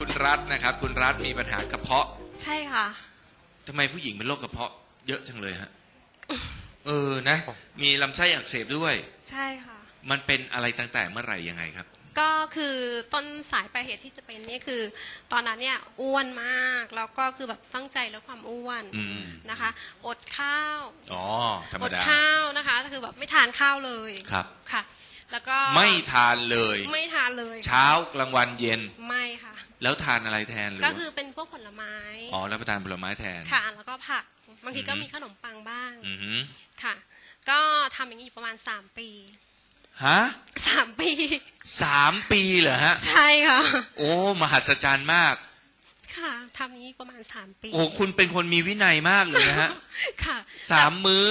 คุณรัฐนะครับคุณรัฐมีปัญหากระเพาะใช่ค่ะทำไมผู้หญิงเป็นโรคกระเพาะเยอะจังเลยฮะนะมีลำไส้อักเสบด้วยใช่ค่ะมันเป็นอะไรตั้งแต่เมื่อไหร่ยังไงครับก็คือต้นสายปลายเหตุที่จะเป็นนี่คือตอนนั้นเนี่ยอ้วนมากแล้วก็คือแบบตั้งใจลดความอ้วนนะคะอดข้าวธรรมดาอดข้าวนะคะคือแบบไม่ทานข้าวเลยครับค่ะแล้วก็ไม่ทานเลยไม่ทานเลยเช้ากลางวันเย็นไม่ค่ะแล้วทานอะไรแทนเลยก็คือเป็นพวกผลไม้รับประทานผลไม้แทนค่ะแล้วก็ผักบางทีก็มีขนมปังบ้างค่ะก็ทำอย่างนี้อยู่ประมาณ3 ปีฮะ 3 ปี 3 ปีเหรอฮะใช่ค่ะโอ้มหัศจรรย์มากค่ะทำอย่างนี้ประมาณ3 ปีโอ้คุณเป็นคนมีวินัยมากเลยนะฮะค่ะ 3 มื้อ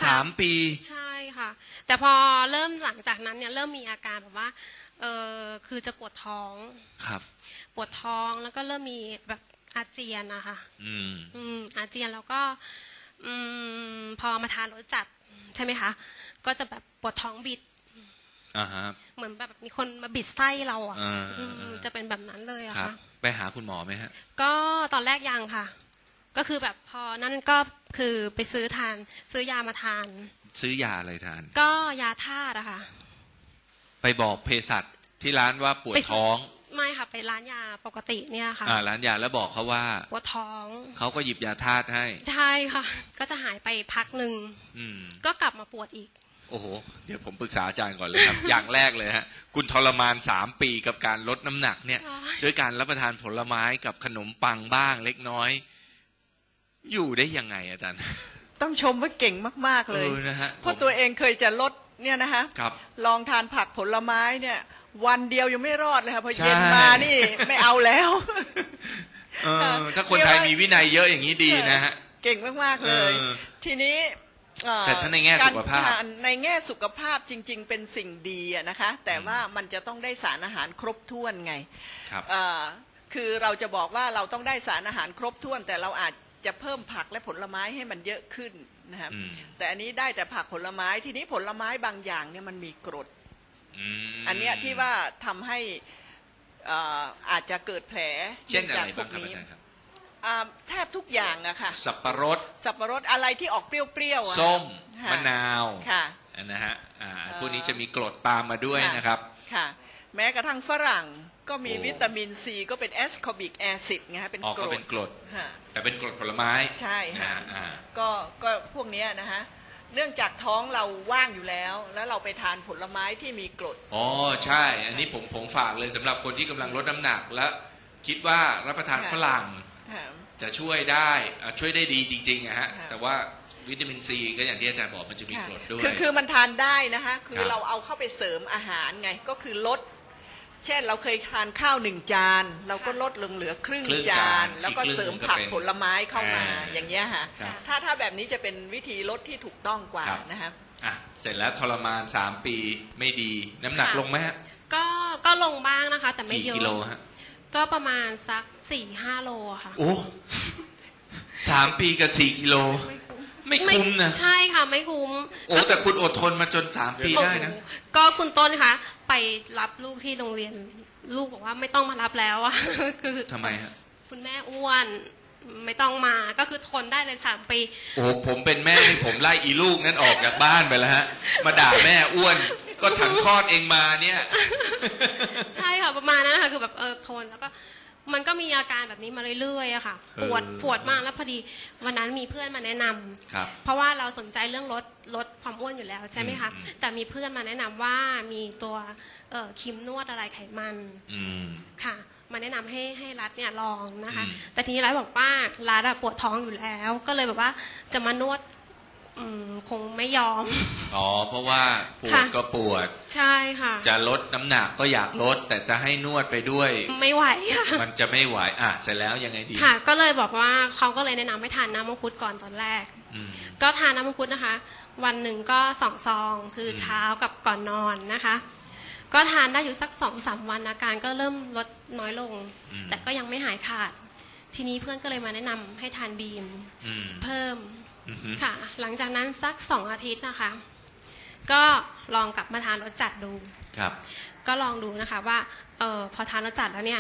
3 ปีใช่ค่ะแต่พอเริ่มหลังจากนั้นเนี่ยเริ่มมีอาการแบบว่าคือจะปวดท้องครับปวดท้องแล้วก็เริ่มมีแบบอาเจียนนะคะอาเจียนแล้วก็พอมาทานรสจัดใช่ไหมคะก็จะแบบปวดท้องบิดเหมือนแบบมีคนมาบิดไส้เราอ่ะจะเป็นแบบนั้นเลยอะค่ะไปหาคุณหมอไหมฮะก็ตอนแรกยังค่ะก็คือแบบพอนั่นก็คือไปซื้อยามาทานซื้อยาอะไรทานก็ยาธาตุอะค่ะไปบอกเภสัชที่ร้านว่าปวดท้องไม่ค่ะไปร้านยาปกติเนี่ยค่ะร้านยาแล้วบอกเขาว่าปวดท้องเขาก็หยิบยาธาตุให้ใช่ค่ะก็จะหายไปพักหนึ่งก็กลับมาปวดอีกโอ้โหเดี๋ยวผมปรึกษาอาจารย์ก่อนเลยครับ อย่างแรกเลยฮะคุณทรมาน3 ปีกับการลดน้ำหนักเนี่ยด้วยการรับประทานผลไม้กับขนมปังบ้างเล็กน้อยอยู่ได้ยังไงอาจารย์ต้องชมว่าเก่งมากๆเลยนะฮะเพราะตัวเองเคยจะลดเนี่ยนะคะลองทานผักผลไม้เนี่ยวันเดียวยังไม่รอดเลยค่ะพอเย็นมานี่ไม่เอาแล้วถ้าคนไทยมีวินัยเยอะอย่างนี้ดีนะฮะเก่งมากๆเลยทีนี้แต่ถ้าในแง่สุขภาพในแง่สุขภาพจริงๆเป็นสิ่งดีนะคะแต่ว่ามันจะต้องได้สารอาหารครบถ้วนไงคือเราจะบอกว่าเราต้องได้สารอาหารครบถ้วนแต่เราอาจจะเพิ่มผักและผลไม้ให้มันเยอะขึ้นนะครับแต่อันนี้ได้แต่ผักผลไม้ทีนี้ผลไม้บางอย่างเนี่ยมันมีกรดอันเนี้ยที่ว่าทำให้อาจจะเกิดแผลเช่นอะไรบ้างครับอาจารย์ครับแทบทุกอย่างอะค่ะสับปะรดอะไรที่ออกเปรี้ยวๆส้มมะนาวค่ะนะฮะพวกนี้จะมีกรดตามมาด้วยนะครับค่ะแม้กระทั่งฝรั่งก็มีวิตามินซีก็เป็นแอสคอบิกแอซิดไงฮะเป็นกรดแต่เป็นกรดผลไม้ใช่ค่ะก็พวกนี้นะฮะเนื่องจากท้องเราว่างอยู่แล้วเราไปทานผลไม้ที่มีกรดใช่อันนี้ผมฝากเลยสำหรับคนที่กำลังลดน้ำหนักและคิดว่ารับประทานฝรั่งจะช่วยได้ดีจริงๆนะฮะแต่ว่าวิตามินซีก็อย่างที่อาจารย์บอกมันจะมีกรดด้วยคือมันทานได้นะคะคือเราเอาเข้าไปเสริมอาหารไงก็คือลดเช่นเราเคยทานข้าว1 จานเราก็ลดลงเหลือครึ่งจานแล้วก็เสริมผักผลไม้เข้ามาอย่างเงี้ยค่ะถ้าแบบนี้จะเป็นวิธีลดที่ถูกต้องกว่านะคะเสร็จแล้วทรมาน3 ปีไม่ดีน้ำหนักลงไหมฮะก็ลงบ้างนะคะแต่ไม่เยอะกี่กิโลฮะก็ประมาณสัก4-5 โลค่ะโอ้3 ปีกับ4 กิโลไม่คุ้มนะใช่ค่ะไม่คุ้มแต่คุณอดทนมาจน3 ปีได้นะก็คุณต้นคะไปรับลูกที่โรงเรียนลูกบอกว่าไม่ต้องมารับแล้วอะคือทำไมฮะคุณแม่อ้วนไม่ต้องมาก็คือทนได้เลย3 ปีผมเป็นแม่ผมไล่อีลูกนั้นออกจากบ้านไปแล้วฮะมาด่าแม่อ้วนก็ฉันคลอดเองมาเนี่ยใช่ค่ะประมาณนั้นค่ะคือแบบทนแล้วก็มันก็มีอาการแบบนี้มาเรื่อยๆอะค่ะปวดมากแล้วพอดีวันนั้นมีเพื่อนมาแนะนำเพราะว่าเราสนใจเรื่องลดความอ้วนอยู่แล้วใช่ไหมคะแต่มีเพื่อนมาแนะนำว่ามีตัวครีมนวดอะไรไขมันค่ะมาแนะนำให้รัฐเนี่ยลองนะคะแต่ทีนี้รัฐบอกว่ารัฐปวดท้องอยู่แล้วก็เลยแบบว่าจะมานวดคงไม่ยอมเพราะว่าปวดก็ปวดใช่ค่ะจะลดน้ำหนักก็อยากลดแต่จะให้นวดไปด้วยไม่ไหวค่ะมันจะไม่ไหวเสร็จแล้วยังไงดีค่ะก็เลยบอกว่าเขาก็เลยแนะนำให้ทานน้ำมังคุดก่อนตอนแรกก็ทานน้ำมังคุดนะคะวันหนึ่งก็2 ซองคือเช้ากับก่อนนอนนะคะก็ทานได้อยู่สัก2-3 วันอาการก็เริ่มลดน้อยลงแต่ก็ยังไม่หายขาดทีนี้เพื่อนก็เลยมาแนะนำให้ทานบีมเพิ่มค่ะหลังจากนั้นสัก2 อาทิตย์นะคะก็ลองกลับมาทานรสจัดดูก็ลองดูนะคะว่าพอทานรสจัดแล้วเนี่ย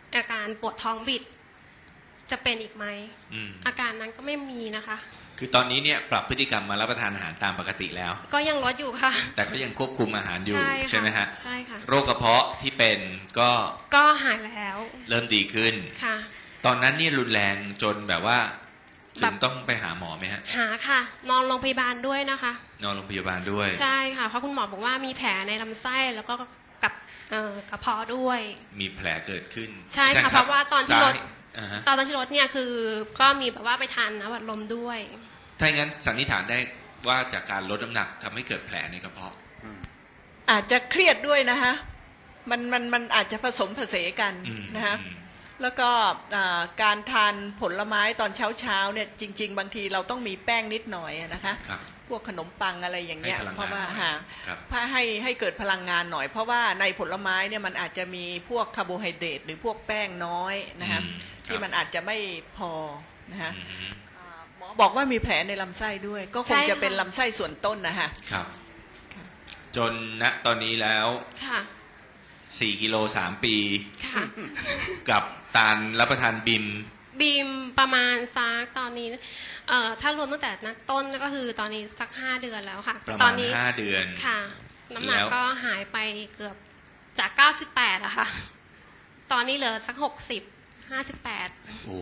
อาการปวดท้องบิดจะเป็นอีกไหมอาการนั้นก็ไม่มีนะคะคือตอนนี้เนี่ยปรับพฤติกรรมมารับประทานอาหารตามปกติแล้วก็ยังลดอยู่ค่ะแต่ก็ยังควบคุมอาหารอยู่ใช่ไหมฮะใช่ค่ะโรคกระเพาะที่เป็นก็หายแล้วเริ่มดีขึ้นค่ะตอนนั้นนี่รุนแรงจนแบบว่าจนต้องไปหาหมอไหมฮะหาค่ะนอนโรงพยาบาลด้วยนะคะนอนโรงพยาบาลด้วยใช่ค่ะเพราะคุณหมอบอกว่ามีแผลในลำไส้แล้วก็กับกระเพาะด้วยมีแผลเกิดขึ้นใช่ค่ะเพราะว่าตอนที่ลดเนี่ยคือก็มีแบบว่าไปทานน้ำอัดลมด้วยถ้าอย่างนั้นสันนิษฐานได้ว่าจากการลดน้ำหนักทำให้เกิดแผลในกระเพาะอาจจะเครียดด้วยนะฮะมันอาจจะผสมผสานกันนะฮะแล้วก็การทานผลไม้ตอนเช้าเนี่ยจริงๆบางทีเราต้องมีแป้งนิดหน่อยนะคะพวกขนมปังอะไรอย่างเงี้ยเพราะว่าให้เกิดพลังงานหน่อยเพราะว่าในผลไม้เนี่ยมันอาจจะมีพวกคาร์โบไฮเดรตหรือพวกแป้งน้อยนะฮะที่มันอาจจะไม่พอนะฮะหมอบอกว่ามีแผลในลำไส้ด้วยก็คงจะเป็นลำไส้ส่วนต้นนะฮะครับจนณตอนนี้แล้ว4 กิโล 3 ปีกับตาลรับประทานบิมประมาณซักตอนนี้ถ้ารวมตั้งแต่นักต้นก็คือตอนนี้สัก5 เดือนแล้วค่ะประมาณ5 เดือนค่ะน้ำหนักก็หายไปเกือบจาก98อะค่ะตอนนี้เหลือสัก58โอ้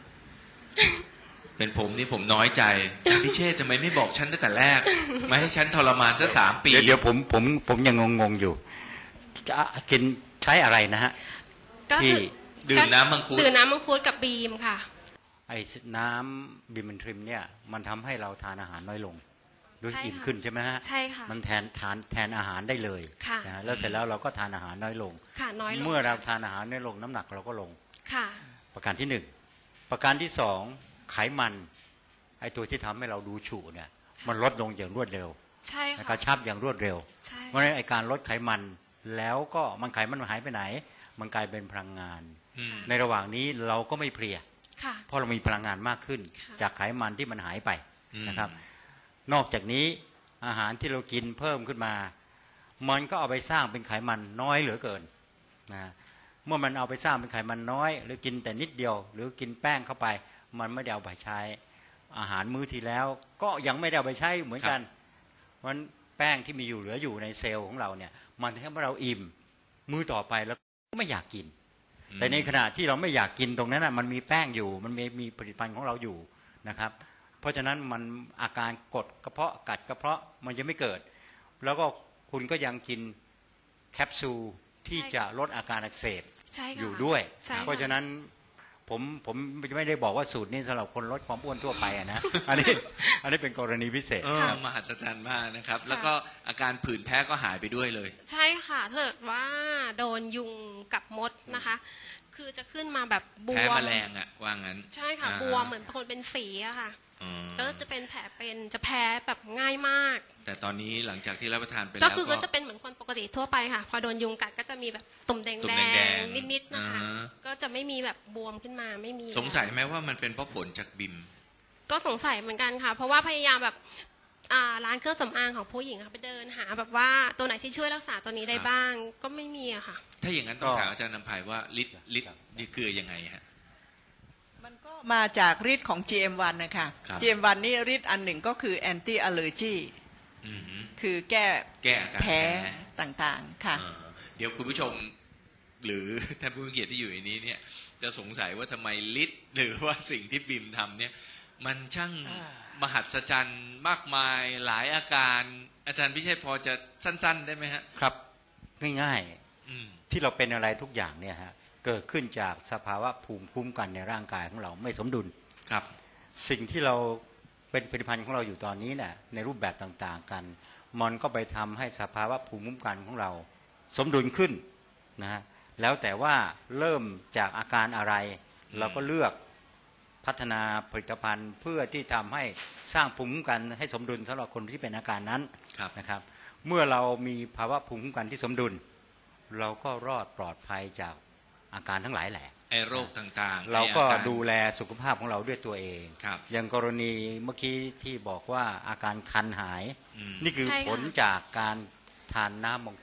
เป็นผมนี่ผมน้อยใจพี่เชษฐ์ทำไมไม่บอกฉันตั้งแต่แรกมาให้ฉันทรมานซะ3 ปีเดี๋ยวผมยังงงอยู่จะกินใช้อะไรนะฮะก็คือดื่มน้ำมังคุดกับบีมค่ะไอ้น้ำบีมทริมเนี่ยมันทำให้เราทานอาหารน้อยลงรู้สึกอิ่มขึ้นใช่ไหมฮะใช่ค่ะมันแทนอาหารได้เลยนะแล้วเสร็จแล้วเราก็ทานอาหารน้อยลงค่ะน้อยลงเมื่อเราทานอาหารน้อยลงน้ำหนักเราก็ลงค่ะประการที่1ประการที่2ไขมันไอ้ตัวที่ทำให้เราดูฉุเนี่ยมันลดลงอย่างรวดเร็วใช่ค่ะกระชับอย่างรวดเร็วเพราะฉะนั้นไอ้การลดไขมันแล้วก็ไขมันหายไปไหนมันกลายเป็นพลังงานในระหว่างนี้เราก็ไม่เพลียเพราะเรามีพลังงานมากขึ้นจากไขมันที่มันหายไปนะครับนอกจากนี้อาหารที่เรากินเพิ่มขึ้นมามันก็เอาไปสร้างเป็นไขมันน้อยเหลือเกินนะเมื่อมันเอาไปสร้างเป็นไขมันน้อยหรือกินแต่นิดเดียวหรือกินแป้งเข้าไปมันไม่ได้เอาไปใช้อาหารมื้อที่แล้วก็ยังไม่ได้เอาไปใช้เหมือนกันเพราะแป้งที่มีอยู่เหลืออยู่ในเซลล์ของเราเนี่ยมันทำให้เราอิ่มมื้อต่อไปแล้วก็ไม่อยากกินแต่ในขณะที่เราไม่อยากกินตรงนั้นมันมีแป้งอยู่มันมีผลิตภัณฑ์ของเราอยู่นะครับเพราะฉะนั้นมันอาการกดกระเพาะกัดกระเพาะมันจะไม่เกิดแล้วก็คุณก็ยังกินแคปซูลที่จะลดอาการอักเสบอยู่ด้วยเพราะฉะนั้นผมไม่ได้บอกว่าสูตรนี้สำหรับคนลดความอ้วนทั่วไปนะอันนี้เป็นกรณีพิเศษมหัศจรรย์มากนะครับแล้วก็อาการผื่นแพ้ก็หายไปด้วยเลยใช่ค่ะถ้าเกิดว่าโดนยุงกับมดนะคะคือจะขึ้นมาแบบบวมแพ้แมลงอ่ะว่างั้นใช่ค่ะบวมเหมือนคนเป็นฝีอะค่ะแล้วจะเป็นแผลจะแพ้แบบง่ายมากแต่ตอนนี้หลังจากที่รับประทานไปแล้วก็จะเป็นเหมือนคนปกติทั่วไปค่ะพอโดนยุงกัดก็จะมีแบบตุ่มแดงนิดๆนะคะก็จะไม่มีแบบบวมขึ้นมาไม่มีสงสัยไหมว่ามันเป็นเพราะผลจากบิมก็สงสัยเหมือนกันค่ะเพราะว่าพยายามแบบร้านเครื่องสำอางของผู้หญิงไปเดินหาแบบว่าตัวไหนที่ช่วยรักษาตัวนี้ได้บ้างก็ไม่มีอะค่ะถ้าอย่างนั้นต้องถามอาจารย์นำภัยว่าฤทธิ์คือยังไงฮะมันก็มาจากฤทธิ์ของ GM1 นะคะ GM1 นี่ฤทธิ์อันหนึ่งก็คือ anti allergy คือแก้แพ้ต่างๆค่ะเดี๋ยวคุณผู้ชมหรือท่านผู้มีเกียรติที่อยู่ในนี้เนี่ยจะสงสัยว่าทำไมฤทธิ์หรือว่าสิ่งที่บิมทำเนี่ยมันช่างมหัศจรรย์มากมายหลายอาการอาจารย์พิเชษพอจะสั้นๆได้ไหมฮะครับง่ายๆที่เราเป็นอะไรทุกอย่างเนี่ยฮะเกิดขึ้นจากสภาวะภูมิคุ้มกันในร่างกายของเราไม่สมดุลครับสิ่งที่เราเป็นผลิตภัณฑ์ของเราอยู่ตอนนี้เนี่ยในรูปแบบต่างๆกันมันก็ไปทำให้สภาวะภูมิคุ้มกันของเราสมดุลขึ้นนะฮะแล้วแต่ว่าเริ่มจากอาการอะไรเราก็เลือกพัฒนาผลิตภัณฑ์เพื่อที่ทำให้สร้างภูมิคุ้มกันให้สมดุลสำหรับคนที่เป็นอาการนั้นนะครับเมื่อเรามีภาวะภูมิคุ้มกันที่สมดุลเราก็รอดปลอดภัยจากอาการทั้งหลายแหละไอ้โรคต่างๆเราก็ดูแลสุขภาพของเราด้วยตัวเองอย่างกรณีเมื่อกี้ที่บอกว่าอาการคันหายนี่คือผลจากการทานน้ำมังคุด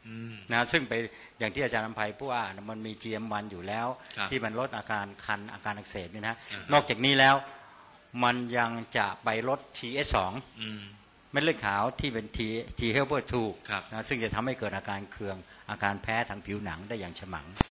นะซึ่งไปอย่างที่อาจารย์อภัยพูดว่ามันมี GM1 อยู่แล้วที่มันลดอาการคันอาการอักเสบนี่นะนอกจากนี้แล้วมันยังจะไปลด TS2 เม็ดเลือดขาวที่เป็น T helper 2นะซึ่งจะทำให้เกิดอาการเคืองอาการแพ้ทางผิวหนังได้อย่างฉมัง